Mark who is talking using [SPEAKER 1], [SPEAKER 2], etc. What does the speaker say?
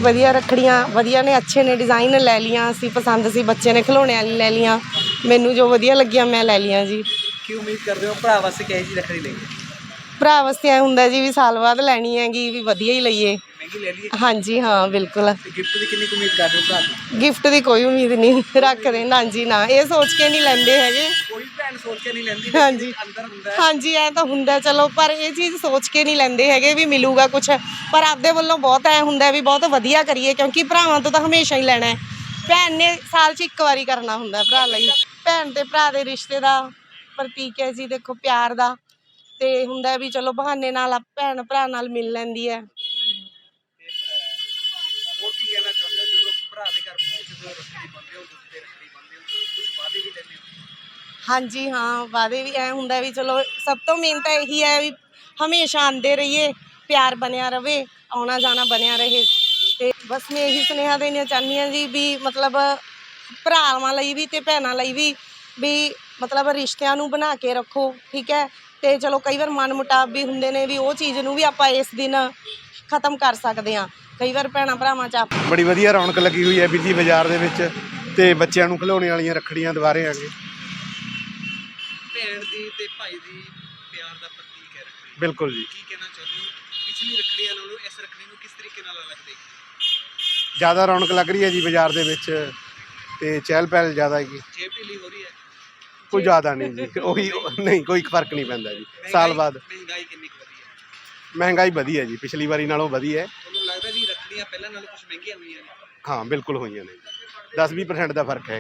[SPEAKER 1] ਵਧੀਆ ਰੱਖੜੀਆਂ ਵਧੀਆ ਨੇ, ਅੱਛੇ ਨੇ, ਡਿਜ਼ਾਈਨ ਲੈ ਲੀਆਂ ਅਸੀਂ, ਪਸੰਦ ਸੀ, ਬੱਚੇ ਨੇ ਖਿਡੌਣੇ ਵਾਲੀ ਲੈ ਲੀਆਂ, ਮੈਨੂੰ ਜੋ ਵਧੀਆ ਲੱਗੀਆਂ ਮੈਂ ਲੈ ਲੀਆਂ ਜੀ।
[SPEAKER 2] ਕੀ ਉਮੀਦ ਕਰਦੇ ਹੋ ਭਰਾ ਵਾਸਤੇ ਕਿਹੋ ਜਿਹੀ ਰੱਖੜੀ ਲਈਏ?
[SPEAKER 1] ਭਰਾ ਵਾਸਤੇ ਐ ਹੁੰਦਾ ਜੀ ਵੀ ਸਾਲ ਬਾਅਦ ਲੈਣੀ ਹੈਗੀ, ਵੀ ਵਧੀਆ ਹੀ ਲਈਏ।
[SPEAKER 2] ਮਹਿੰਗੀ ਲੈ ਲਈਏ?
[SPEAKER 1] ਹਾਂਜੀ ਹਾਂ ਬਿਲਕੁਲ।
[SPEAKER 2] ਗਿਫਟ ਦੀ ਕਿੰਨੀ ਉਮੀਦ ਕਰਦੇ ਹੋ ਭਰਾ ਤੋਂ?
[SPEAKER 1] ਗਿਫਟ ਦੀ ਕੋਈ ਉਮੀਦ ਨਹੀਂ ਰੱਖਦੇ, ਨਾ ਜੀ ਨਾ, ਇਹ ਸੋਚ ਕੇ ਨਹੀਂ ਲੈਂਦੇ ਹੈਗੇ।
[SPEAKER 2] ਕੋਈ ਭੈਣ ਸੋਚ ਕੇ ਨਹੀਂ ਲੈਂਦੀ,
[SPEAKER 1] ਹਾਂਜੀ
[SPEAKER 2] ਅੰਦਰ ਹੁੰਦਾ
[SPEAKER 1] ਹਾਂਜੀ ਐ ਤਾਂ ਹੁੰਦਾ ਚਲੋ, ਪਰ ਇਹ ਚੀਜ਼ ਸੋਚ ਕੇ ਨਹੀਂ ਲੈਂਦੇ ਹੈਗੇ ਵੀ ਮਿਲੂਗਾ ਕੁਛ, ਪਰ ਆਪਦੇ ਵੱਲੋਂ ਬਹੁਤ ਐ ਹੁੰਦਾ ਵੀ ਬਹੁਤ ਵਧੀਆ ਕਰੀਏ, ਕਿਉਂਕਿ ਭਰਾਵਾਂ ਤੋਂ ਤਾਂ ਹਮੇਸ਼ਾ ਹੀ ਲੈਣਾ ਹੈ। ਭੈਣ ਨੇ ਸਾਲ 'ਚ ਇੱਕ ਵਾਰੀ ਕਰਨਾ ਹੁੰਦਾ ਭਰਾ ਲਈ। ਭੈਣ ਤੇ ਭਰਾ ਦੇ ਰਿਸ਼ਤੇ ਦਾ ਪ੍ਰਤੀਕ ਹੈ ਜੀ, ਦੇਖੋ ਪਿਆਰ ਦਾ, ਤੇ ਹੁੰਦਾ ਵੀ ਚਲੋ ਬਹਾਨੇ ਨਾਲ ਭੈਣ ਭਰਾ ਨਾਲ ਮਿਲ ਲੈਂਦੀ ਹੈ।
[SPEAKER 2] ਹੋਰ ਕੀ ਕਹਿਣਾ ਚਾਹੁੰਦੇ ਹੋ ਜਦੋਂ ਭਰਾ ਦੇ ਘਰ ਪਹੁੰਚਦੇ ਹੋ, ਰੱਖੜੀ ਬੰਨ੍ਹਦੇ ਹੋ, ਦੁੱਧ ਤੇ ਰੱਖੜੀ ਬੰਨ੍ਹਦੇ ਹੋ, ਕੁਝ ਵਾਅਦੇ ਵੀ ਲੈਂਦੇ ਹੋ? ਹਾਂਜੀ
[SPEAKER 1] ਹਾਂ ਵਾਅਦੇ ਵੀ ਐ ਹੁੰਦਾ ਵੀ ਚਲੋ ਸਭ ਤੋਂ ਮੇਨ ਤਾਂ ਇਹੀ ਹੈ ਵੀ ਹਮੇਸ਼ਾ ਆਉਂਦੇ ਰਹੀਏ, ਪਿਆਰ ਬਣਿਆ ਰਵੇ, ਆਉਣਾ ਜਾਣਾ ਬਣਿਆ ਰਹੇ। ਤੇ ਬਸ ਮੈਂ ਇਹੀ ਸੁਨੇਹਾ ਦੇਣਾ ਚਾਹੁੰਦੀ ਹਾਂ ਜੀ ਵੀ ਮਤਲਬ ਭਰਾਵਾਂ ਲਈ ਵੀ ਤੇ ਭੈਣਾਂ ਲਈ ਵੀ ਮਤਲਬ ਰਿਸ਼ਤਿਆਂ ਨੂੰ ਬਣਾ ਕੇ ਰੱਖੋ, ਠੀਕ ਹੈ। ਤੇ ਚਲੋ ਕਈ ਵਾਰ ਮਨ ਮੁਟਾਵ ਵੀ ਹੁੰਦੇ ਨੇ, ਵੀ ਉਹ ਚੀਜ਼ ਨੂੰ ਵੀ ਆਪਾਂ ਇਸ ਦਿਨ ਖਤਮ ਕਰ ਸਕਦੇ ਹਾਂ। ਕਈ ਵਾਰ ਭੈਣਾਂ ਭਰਾਵਾਂ 'ਚ
[SPEAKER 3] ਬੜੀ ਵਧੀਆ ਰੌਣਕ ਲੱਗੀ ਹੋਈ ਹੈ ਬਿੱਲੀ ਬਾਜ਼ਾਰ ਦੇ ਵਿੱਚ, ਤੇ ਬੱਚਿਆਂ ਨੂੰ ਖਿਡੌਣੇ ਵਾਲੀਆਂ ਰੱਖੜੀਆਂ ਦੁਬਾਰੇ ਆ ਗਏ।
[SPEAKER 2] ਭੈਣ ਦੀ ਤੇ ਭਾਈ ਦੀ ਪਿਆਰ ਦਾ ਪ੍ਰਤੀਕ ਹੈ ਰੱਖੜੀ।
[SPEAKER 3] ਬਿਲਕੁਲ ਜੀ।
[SPEAKER 2] ਕੀ ਕਹਿਣਾ ਚਾਹੁੰਦੇ ਹੋ ਪਿਛਲੀ ਰੱਖੜੀਆਂ ਨਾਲੋਂ ਇਸ ਰੱਖੜੀ ਨੂੰ ਕਿਸ ਤਰੀਕੇ ਨਾਲ ਅਲੱਗ ਦੇਖਦੇ?
[SPEAKER 3] ਜ਼ਿਆਦਾ ਰੌਣਕ ਲੱਗ ਰਹੀ ਹੈ ਜੀ ਬਾਜ਼ਾਰ ਦੇ ਵਿੱਚ, ਤੇ ਚਹਿਲ ਪਹਿਲ ਜ਼ਿਆਦਾ ਹੈਗੀ।
[SPEAKER 2] ਜੇਬ ਢਿੱਲੀ ਹੋ ਰਹੀ ਹੈ?
[SPEAKER 3] ਕੋਈ ਜ਼ਿਆਦਾ ਨਹੀਂ ਜੀ, ਉਹੀ ਨਹੀਂ, ਕੋਈ ਫਰਕ ਨਹੀਂ ਪੈਂਦਾ ਜੀ ਸਾਲ ਬਾਅਦ।
[SPEAKER 2] ਮਹਿੰਗਾਈ ਕਿੰਨੀ ਕੁ ਵਧੀ ਹੈ?
[SPEAKER 3] ਮਹਿੰਗਾਈ ਵਧੀ ਹੈ ਜੀ, ਪਿਛਲੀ ਵਾਰੀ ਨਾਲੋਂ ਵਧੀ ਹੈ।
[SPEAKER 2] ਤੁਹਾਨੂੰ ਲੱਗਦਾ ਵੀ ਰੱਖੜੀਆਂ ਪਹਿਲਾਂ ਨਾਲੋਂ ਕੁਝ ਮਹਿੰਗੀਆਂ ਹੋਈਆਂ ਨੇ?
[SPEAKER 3] ਹਾਂ ਬਿਲਕੁਲ ਹੋਈਆਂ ਨੇ ਜੀ, 10-20% ਦਾ ਫਰਕ ਹੈ।